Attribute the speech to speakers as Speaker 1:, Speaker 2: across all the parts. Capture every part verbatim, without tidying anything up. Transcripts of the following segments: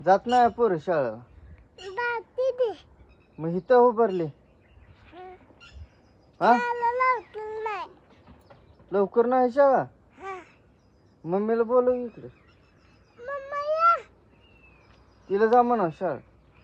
Speaker 1: जात नाही पोर शाळा मग इथं उभारले हा लवकर नाही शाळा मम्मीला बोलव इकडे तिला जा म्हणा शाळा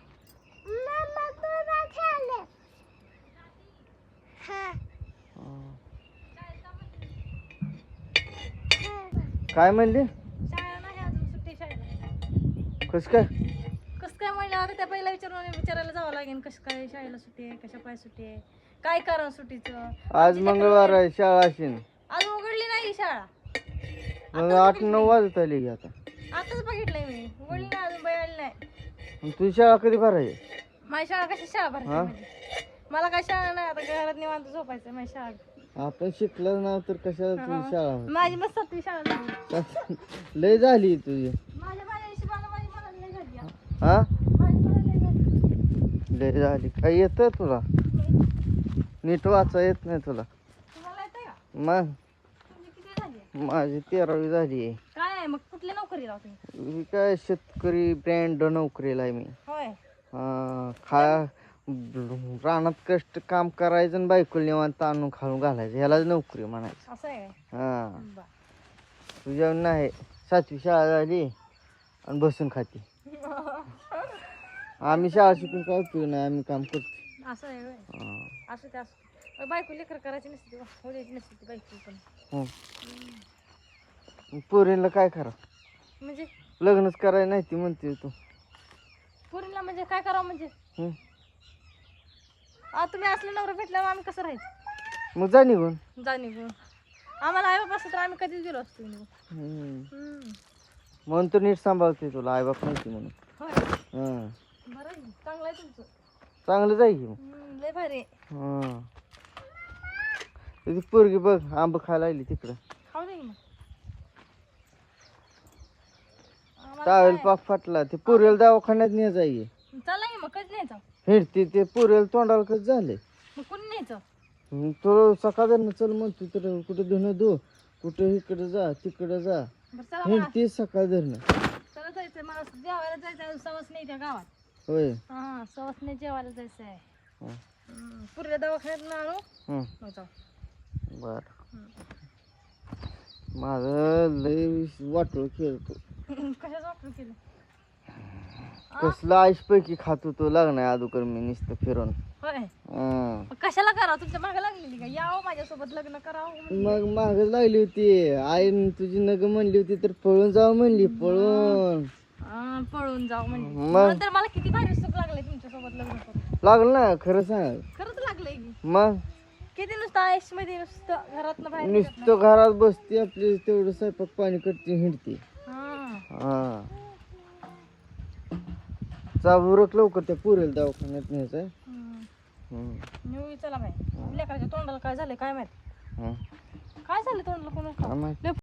Speaker 1: काय म्हणली
Speaker 2: शाळा नाही अजून सुट्टी शाळेला.
Speaker 1: कस काय
Speaker 2: कसं काय म्हणलं आता त्या पहिला विचारून विचारायला जावं लागेल कसं काय शाळेला सुट्टी आहे कशा पाय सुट्टी आहे काय कारण सुट्टीचं.
Speaker 1: आज मंगळवार आहे शाळा असेल
Speaker 2: अजून उघडली नाही शाळा.
Speaker 1: मग आठ नऊ वाजत आली की आता
Speaker 2: आताच बघितलंय मी उघडली नाही अजून बघायला नाही.
Speaker 1: मग तुझी शाळा कधी भरायची
Speaker 2: माझी शाळा कशी शाळा भरायची माझी? मला काय शाळा नाही आता घरात निवांत झोपायचं माझी शाळा.
Speaker 1: आपण शिकलं ना तर कशाला तुझी शाळा होती?
Speaker 2: माझी मस्त सातवी शाळा झाली.
Speaker 1: लय झाली तुझी
Speaker 2: माझ्या माझ्या हिशोबाला माझी मला लय झाली हा.
Speaker 1: हा
Speaker 2: माझी मला लय झाली.
Speaker 1: लय झाली काय येत तुला नीट वाचा येत नाही तुला
Speaker 2: तुम्हाला येतंय का?
Speaker 1: मग
Speaker 2: तुमची किती झाली?
Speaker 1: माझी तेरावी झाली
Speaker 2: काय आहे मग कुठल्या नोकरी लावते?
Speaker 1: मी काय शेतकरी ब्रँड नोकरीला आहे मी
Speaker 2: होय
Speaker 1: हा, खा रानात कष्ट काम करायचं आणि बायकोला निवांत आणून खाऊन घालायचं ह्यालाच नोकरी म्हणायचं.
Speaker 2: असं आहे काय?
Speaker 1: हा
Speaker 2: बरं.
Speaker 1: तुझ्या नाही सातवी शाळा झाली आणि बसून खाती आम्ही शाळा शिकून काय उपयोग नाही आम्ही काम करतो.
Speaker 2: असं आहे होय.
Speaker 1: हा.
Speaker 2: असं ते असं बायको लेकर करायची नसते हो द्यायची नसते ती बायको पण.
Speaker 1: हं. मग पोरींला काय करा
Speaker 2: म्हणजे
Speaker 1: लग्नच करायला नाही ती म्हणते तू
Speaker 2: पोरीला म्हणजे काय करावं म्हणजे
Speaker 1: हं.
Speaker 2: आ तुम्ही असलं नवरा भेटल्यावर आम्ही कसं राहायचं?
Speaker 1: मग जा निघून
Speaker 2: जा निघून. आम्हाला आई बाप असतं तर आम्ही कधीच गेलो असतो निघून.
Speaker 1: हं.
Speaker 2: हम्म.
Speaker 1: म्हणून तर नीट सांभाळते तुला आईबाप माहिती म्हणून
Speaker 2: होय
Speaker 1: हं.
Speaker 2: बरं आहे. चांगलं आहे तुमचं.
Speaker 1: चांगलं जाईल की मग
Speaker 2: हम्म, लय भारी आहे.
Speaker 1: हं. ती पोरगी बघ आंब खायला लागली तिकडं
Speaker 2: खाऊ दे की मग. आम्हाला
Speaker 1: टावेल
Speaker 2: काय?
Speaker 1: पाक फाटला ते पोरीला दवाखान्यात नाही जाई
Speaker 2: चला की मग कधी न्यायचं?
Speaker 1: हिंडते ते पोरीला तोंडाला कसं झालंय
Speaker 2: मग कोणी न्यायचं?
Speaker 1: मग तो सकाळ चल म्हणतो तर कुठं धुणं धु कुठं इकडं जा तिकडं जा
Speaker 2: बरं चला मला
Speaker 1: हिंडते सकाळ धरणं
Speaker 2: चला जायचंय मला जेवायला जायचं आहे सवस नाही त्या गावात.
Speaker 1: होय
Speaker 2: हा सवस नाही जेवायला जायचं आहे.
Speaker 1: हं.
Speaker 2: हम्म, पुऱ्या दवाखान्यात आणू
Speaker 1: हं.
Speaker 2: मग जाऊ.
Speaker 1: बर
Speaker 2: हम्म.
Speaker 1: माझं लय वाटोळ खेळतो
Speaker 2: कशाचं वापर केलं?
Speaker 1: कसलं आईश पैकी खात होतो लागणार अगोदर मी नुसतं फिरून
Speaker 2: होय
Speaker 1: हं.
Speaker 2: मग कशाला करावं तुमच्या मागे लागलेली का यावं माझ्यासोबत लग्न करावं?
Speaker 1: मग माग लागली होती आई तुझी नग म्हणली होती तर पळून जाऊ म्हणली पळून
Speaker 2: हा, पळून जाऊ म्हणजे
Speaker 1: मग?
Speaker 2: म्हणून तर मला किती भारी सुख लागले तुमच्यासोबत लग्न करून.
Speaker 1: लागलं ना खरं सांग
Speaker 2: खरंच लागलंय की
Speaker 1: मग
Speaker 2: किती नुसतं आयुष मध्ये नुसतं घरात बाहेर निघत नाही.
Speaker 1: नुसतं घरात बसते आपली तेवढं स्वयंपाक पाणी करते हिंडते
Speaker 2: हा.
Speaker 1: हा चाबूरक लवकर त्या पुरेल दवाखान्यात न्यायचं
Speaker 2: हम्म.
Speaker 1: हम्म.
Speaker 2: नेऊ चला बाई लेकराच्या तोंडाला काय झालं काय माहित
Speaker 1: हं.
Speaker 2: काय झालं तोंडाला कोणाला
Speaker 1: काय माहित?
Speaker 2: लय